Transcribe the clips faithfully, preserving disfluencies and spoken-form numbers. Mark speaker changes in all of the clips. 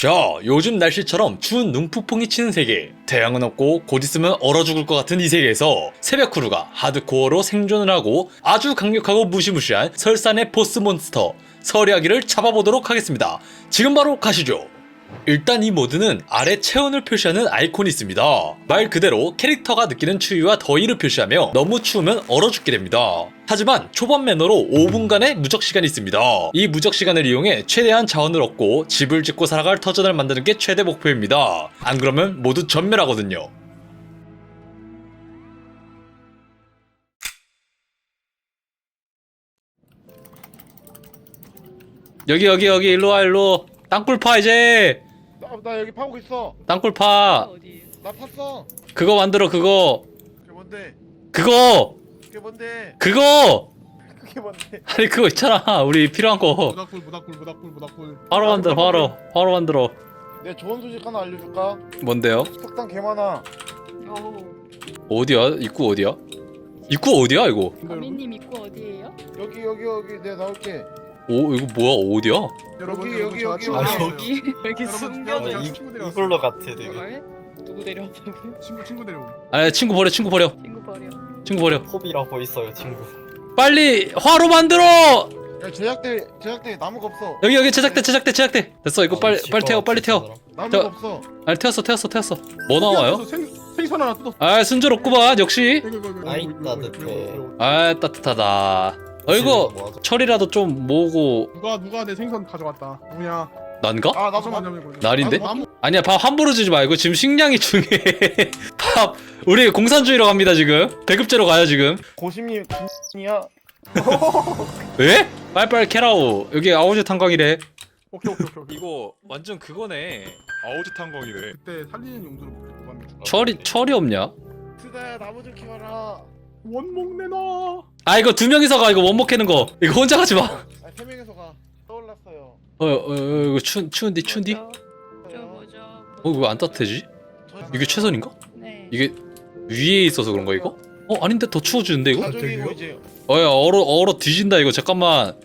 Speaker 1: 자, 요즘 날씨처럼 추운 눈폭풍이 치는 세계, 태양은 없고 곧 있으면 얼어 죽을 것 같은 이 세계에서 새벽 크루가 하드코어로 생존을 하고 아주 강력하고 무시무시한 설산의 보스 몬스터 서리아기를 잡아보도록 하겠습니다. 지금 바로 가시죠. 일단 이 모드는 아래 체온을 표시하는 아이콘이 있습니다. 말 그대로 캐릭터가 느끼는 추위와 더위를 표시하며 너무 추우면 얼어 죽게 됩니다. 하지만 초반 매너로 오 분간의 무적 시간이 있습니다. 이 무적 시간을 이용해 최대한 자원을 얻고 집을 짓고 살아갈 터전을 만드는 게 최대 목표입니다. 안 그러면 모두 전멸하거든요. 여기 여기 여기 일로와 일로. 땅굴 파 이제.
Speaker 2: 나, 나 여기 파고 있어.
Speaker 1: 땅굴 파.
Speaker 2: 나 팠어.
Speaker 1: 그거 만들어 그거.
Speaker 2: 그게 뭔데?
Speaker 1: 그거.
Speaker 2: 그게 뭔데?
Speaker 1: 그거.
Speaker 2: 그게 뭔데?
Speaker 1: 아니 그거 있잖아. 우리 필요한 거.
Speaker 3: 모닥불 모닥불 모닥불 모닥불
Speaker 1: 바로 만들어 바로. 바로 만들어.
Speaker 2: 내 좋은 소식 하나 알려줄까?
Speaker 1: 뭔데요?
Speaker 2: 석탄 개 많아.
Speaker 1: 어디야? 입구 어디야? 입구 어디야 이거?
Speaker 4: 가미님 입구 어디예요?
Speaker 2: 여기 여기 여기 내가 나올게.
Speaker 1: 오 이거 뭐야 어디야?
Speaker 3: 여러분
Speaker 2: 여기,
Speaker 3: 여러분,
Speaker 2: 여기,
Speaker 3: 저
Speaker 2: 여기.
Speaker 3: 아침
Speaker 4: 아
Speaker 3: 왔어요.
Speaker 4: 여기 여기
Speaker 3: 여러분,
Speaker 4: 숨겨져
Speaker 3: 여러분,
Speaker 4: 있어.
Speaker 3: 친구 데려왔어요.
Speaker 5: 이걸로 같아 되게.
Speaker 4: 뭘? 누구 데려왔다고요?
Speaker 3: 친구 친구 데려오.
Speaker 1: 아니 친구 버려 친구 버려
Speaker 4: 친구 버려.
Speaker 1: 친구 버려.
Speaker 5: 호비라고 있어요 친구.
Speaker 1: 빨리 화로 만들어.
Speaker 2: 야 제작대 제작대 나무가 없어.
Speaker 1: 여기 여기 제작대 제작대 제작대. 됐어 이거 빨리 빨리 태워 빨리 태워.
Speaker 2: 나무가
Speaker 1: 저-
Speaker 2: 없어.
Speaker 1: 아니 태웠어 태웠어 태웠어. 뭐 나와요?
Speaker 3: 생 생선 하나 뜯었어.
Speaker 1: 아 순조롭구만 역시.
Speaker 3: 이거, 이거, 이거,
Speaker 5: 아이,
Speaker 3: 이거, 이거, 이거,
Speaker 5: 따뜻해.
Speaker 3: 이거, 이거.
Speaker 1: 아 따뜻하다. 어이구 철이라도 좀 모으고.
Speaker 3: 누가 누가 내 생선 가져갔다. 누구냐?
Speaker 1: 난가?
Speaker 2: 아 나도
Speaker 3: 잠깐만,
Speaker 2: 만.
Speaker 3: 잠깐만.
Speaker 1: 날인데?
Speaker 3: 나무
Speaker 1: 아니야 밥 함부로 주지 말고 지금 식량이 중요해. 밥 우리 공산주의로 갑니다 지금. 배급제로 가요 지금.
Speaker 2: 고심님 이야.
Speaker 1: 왜? 빨리빨리 캐라오. 여기 아오지 탄광이래.
Speaker 3: 오케이 오케이 오케이. 오케이.
Speaker 1: 이거 완전 그거네. 아오지 탄광이래.
Speaker 3: 그때 살리는 용도로 구합니다.
Speaker 1: 철이 철이 없냐?
Speaker 2: 트다야 나무 좀 키워라.
Speaker 3: 원목 내놔.
Speaker 1: 아 이거 두 명이서 가. 이거 원목 캐는 거. 이거 혼자 가지 마.
Speaker 2: 아세 명이서 가. 떠올랐어요.
Speaker 1: 어, 어, 어 이거 추 추운디 추운디? 어
Speaker 4: 저 뭐죠?
Speaker 1: 왜 안 따뜻해지? 이게 최선인가?
Speaker 4: 네.
Speaker 1: 이게 위에 있어서 그런가 이거? 어 아닌데 더 추워지는데 이거?
Speaker 2: 가족이고 이제
Speaker 1: 어야 얼어 얼어 뒤진다 이거 잠깐만.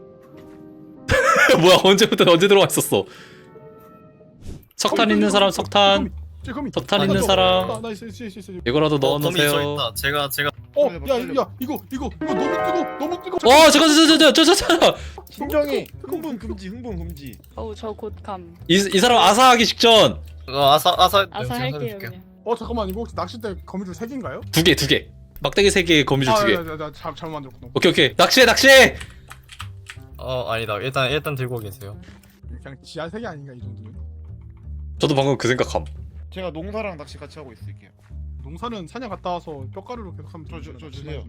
Speaker 1: 뭐야 언제부터 언제 들어와 있었어? 석탄 있는 사람 석탄.
Speaker 3: 제 거미.
Speaker 1: 석탄
Speaker 5: 아,
Speaker 1: 있는
Speaker 5: 나
Speaker 1: 사람.
Speaker 3: 나, 나 있어 있어 있어 있어.
Speaker 1: 이거라도
Speaker 5: 어, 거미
Speaker 1: 넣어놓으세요.
Speaker 5: 저 있다. 제가 제가
Speaker 3: 어,
Speaker 2: 빨리
Speaker 3: 야,
Speaker 2: 빨리.
Speaker 3: 야, 이거, 이거, 이거 너무 뜨거, 너무 뜨거.
Speaker 1: 어 잠깐 잠깐 잠깐 잠깐.
Speaker 2: 진정이 흥분 금지 흥분 금지.
Speaker 4: 어우 저 곧 감.
Speaker 1: 이, 이 사람 아사하기 직전.
Speaker 5: 어, 아사 아사
Speaker 4: 아사
Speaker 5: 제가
Speaker 4: 할게요
Speaker 5: 살려줄게요.
Speaker 4: 그냥.
Speaker 3: 어, 잠깐만, 이거 혹시 낚싯대 거미줄 세 개인가요?
Speaker 1: 두 개, 두 개. 막대기 세 개, 거미줄 두 개.
Speaker 3: 아, 야, 야, 야, 잘, 잘못 만들었구나.
Speaker 1: 오케이, 오케이. 낚시해, 낚시해!
Speaker 5: 어 아니다. 일단 일단 들고 계세요.
Speaker 3: 그냥 지하 세개 아닌가 이 정도면?
Speaker 1: 저도 방금 그 생각함.
Speaker 2: 제가 농사랑 낚시 같이 하고 있을게요.
Speaker 3: 농사는 사냥 갔다 와서 뼈가루로 계속 하면
Speaker 2: 저, 저, 저 주세요.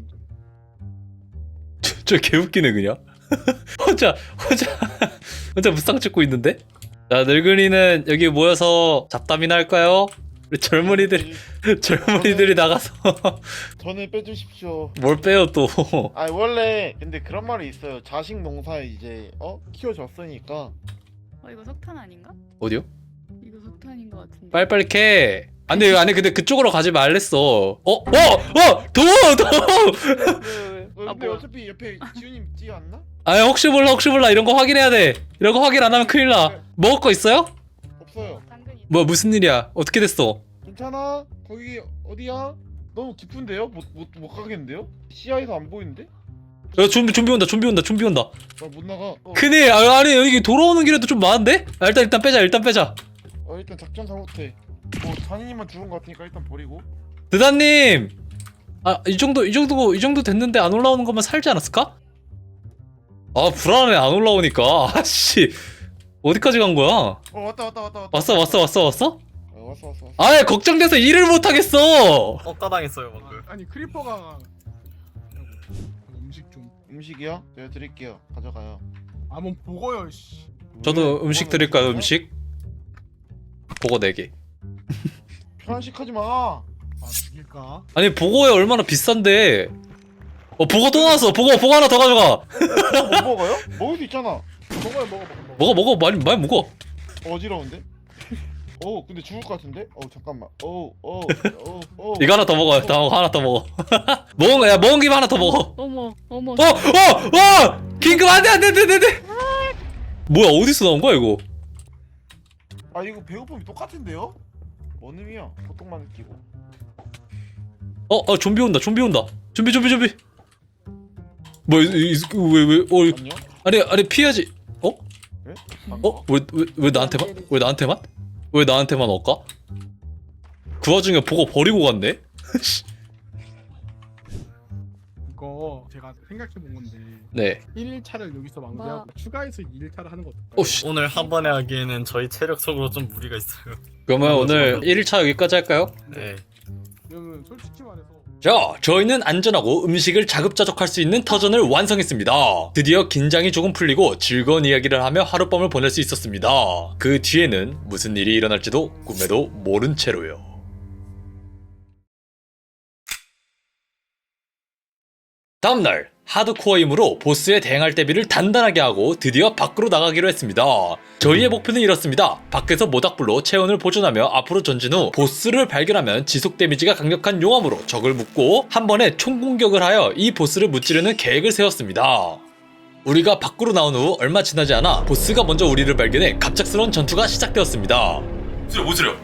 Speaker 1: 저, 저 개웃기네, 그냥. 혼자, 혼자, 혼자 무쌍 찍고 있는데? 자, 늙은이는 여기 모여서 잡담이나 할까요? 우리 젊은이들, 젊은이들이 나가서
Speaker 2: 저는 빼주십시오.
Speaker 1: 뭘 빼요, 또.
Speaker 2: 아 원래 근데 그런 말이 있어요. 자식 농사에 이제 어 키워줬으니까.
Speaker 4: 어 이거 석탄 아닌가?
Speaker 1: 어디요?
Speaker 4: 이거 석탄인 것 같은데.
Speaker 1: 빨리빨리 캐. 아니, 아니, 근데 그쪽으로 가지 말랬어. 어? 어? 어? 도우! 도우!
Speaker 2: 어,
Speaker 4: 아,
Speaker 2: 근데
Speaker 4: 뭐야.
Speaker 2: 어차피 옆에 지훈님 뛰어 왔나?
Speaker 1: 아 혹시 몰라, 혹시 몰라. 이런 거 확인해야 돼. 이런 거 확인 안 하면 큰일 나. 먹을 거 있어요?
Speaker 2: 없어요.
Speaker 4: 당근이.
Speaker 1: 뭐, 무슨 일이야? 어떻게 됐어?
Speaker 2: 괜찮아? 거기 어디야? 너무 깊은데요? 못 못 못 가겠는데요? 시야에서 안 보이는데?
Speaker 1: 야, 좀비, 좀비 온다, 좀비 온다, 좀비 온다.
Speaker 2: 나 못 나가. 어,
Speaker 1: 큰일, 아, 아니, 여기 돌아오는 길에도 좀 많은데? 아, 일단, 일단 빼자, 일단 빼자.
Speaker 2: 어 일단 작전 잘못해. 뭐 잔이님만 죽은 것 같으니까 일단 버리고.
Speaker 1: 드다님! 아, 이 정도, 이 정도, 이 정도 됐는데 안 올라오는 것만 살지 않았을까? 아, 불안해, 안 올라오니까. 아씨. 어디까지 간 거야?
Speaker 2: 어 왔다 왔다 왔다 왔다.
Speaker 1: 왔어, 왔어, 왔어, 왔어?
Speaker 2: 어, 왔어 왔어 왔어.
Speaker 1: 아예 걱정돼서 일을 못하겠어!
Speaker 5: 억까당했어요 방금.
Speaker 3: 아니 크리퍼가 음식 좀.
Speaker 2: 음식이요? 제가 드릴게요. 가져가요.
Speaker 3: 아뭐 보고요. 씨.
Speaker 1: 저도
Speaker 2: 왜?
Speaker 1: 음식
Speaker 2: 뭐가
Speaker 1: 드릴까요,
Speaker 2: 음식이야?
Speaker 1: 음식? 보고 네 개.
Speaker 2: 편식하지 마.
Speaker 3: 아 죽일까?
Speaker 1: 아니, 보고에 얼마나 비싼데. 어, 보고 또 나왔어. 보고, 보고 하나 더 가져가.
Speaker 2: 못 먹어요? 먹을 수 있잖아.
Speaker 3: 먹어요, 먹어, 먹어. 먹어.
Speaker 1: 먹어, 먹어, 많이, 많이 먹어.
Speaker 2: 어지러운데? 어 근데 죽을 것 같은데? 어 잠깐만. 어어어 어.
Speaker 1: 이거 하나 더 먹어. 다 먹어, 하나 더 먹어. 먹은 거야, 먹은 김에 하나 더 먹어.
Speaker 4: 어머 어머.
Speaker 1: 어! 어! 어! 긴급 안돼 안돼 안돼 안돼. 뭐야 어디서 나온 거야 이거?
Speaker 2: 아 이거 배고픔이 똑같은데요? 뭔 의미야? 보통만 느끼고.
Speaker 1: 어, 어 좀비 온다. 좀비 온다. 좀비 좀비 좀비. 뭐왜왜 어,
Speaker 2: 안녕?
Speaker 1: 아니 아니 피해야지. 어?
Speaker 2: 예?
Speaker 1: 어? 왜 왜 왜 나한테만? 왜 나한테만? 왜 나한테만 올까? 그 와중에 보고 버리고 갔네?
Speaker 3: 이거 제가 생각해 본 건데
Speaker 1: 네.
Speaker 3: 일 일차를 여기서 마무리하고
Speaker 4: 뭐?
Speaker 3: 추가해서 이 일차를 하는 거 어떨까요?
Speaker 1: 오씨.
Speaker 5: 오늘 한 번에 하기에는 저희 체력적으로 좀 무리가 있어요.
Speaker 1: 그러면 오늘 일 일차 여기까지 할까요?
Speaker 5: 네.
Speaker 3: 그러면 솔직히 말해서
Speaker 1: 자, 저희는 안전하고 음식을 자급자족할 수 있는 터전을 완성했습니다. 드디어 긴장이 조금 풀리고 즐거운 이야기를 하며 하룻밤을 보낼 수 있었습니다. 그 뒤에는 무슨 일이 일어날지도 꿈에도 모른 채로요. 다음날 하드코어이므로 보스에 대응할 대비를 단단하게 하고 드디어 밖으로 나가기로 했습니다. 저희의 목표는 이렇습니다. 밖에서 모닥불로 체온을 보존하며 앞으로 전진 후 보스를 발견하면 지속 데미지가 강력한 용암으로 적을 묶고 한 번에 총공격을 하여 이 보스를 무찌르는 계획을 세웠습니다. 우리가 밖으로 나온 후 얼마 지나지 않아 보스가 먼저 우리를 발견해 갑작스러운 전투가 시작되었습니다. 소리 뭐 소리야?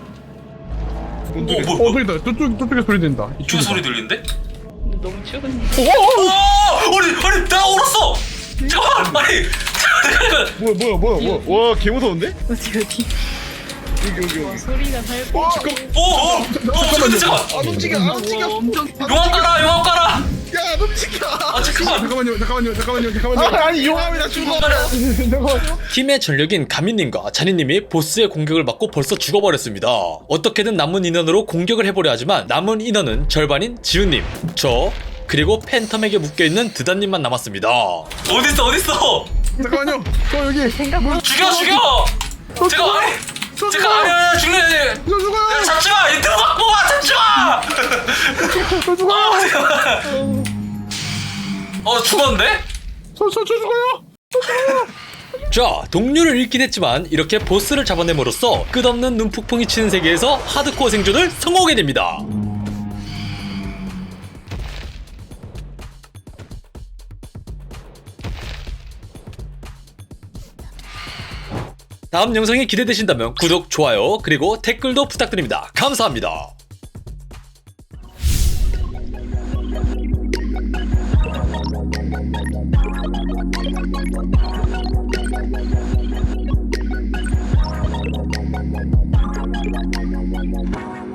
Speaker 3: 어 소리다. 저쪽 저쪽에 소리 된다.
Speaker 1: 이쪽에 소리 들리는데?
Speaker 4: 너무 추운데.
Speaker 1: 오! 아니 아니 나 얼었어! 잠깐만! 아니
Speaker 2: 뭐야 뭐야 뭐야 뭐야. 와개 무서운데?
Speaker 4: 어디 어디.
Speaker 2: 여기 여기
Speaker 4: 와
Speaker 2: 여기.
Speaker 4: 소리가 살고.
Speaker 2: 와
Speaker 1: 오오! 잠깐만 잠깐만!
Speaker 2: 안 움직여 안 움직여.
Speaker 4: 엄청.
Speaker 1: 용암 깔아 용암 깔아!
Speaker 2: 야안 움직여.
Speaker 1: 아 잠깐만!
Speaker 3: 잠깐만요 잠깐만요 잠깐만요 잠깐만요.
Speaker 2: 아, 아니 용암이 나 죽어.
Speaker 1: 팀의 전력인 가민님과 자니님이 보스의 공격을 받고 벌써 죽어버렸습니다. 어떻게든 남은 인원으로 공격을 해보려 하지만 남은 인원은 절반인 지훈님, 저, 그리고 팬텀에게 묶여있는 드단님만 남았습니다. 어딨어 어딨어!
Speaker 3: 잠깐만요. 저 여기
Speaker 4: 생각보다.
Speaker 1: 죽여 죽여! 제가 아니!
Speaker 3: 저
Speaker 1: 제가 아니 아니 죽네!
Speaker 3: 저 죽어요.
Speaker 1: 잡지마! 이 들어가 뽑아! 잡지마!
Speaker 3: 저 죽어요.
Speaker 1: 어 죽었는데?
Speaker 3: 저저 죽어요.
Speaker 1: 자, 동료를 잃긴 했지만 이렇게 보스를 잡아냄으로써 끝없는 눈폭풍이 치는 세계에서 하드코어 생존을 성공하게 됩니다. 다음 영상이 기대되신다면 구독, 좋아요, 그리고 댓글도 부탁드립니다. 감사합니다.
Speaker 6: Thank you.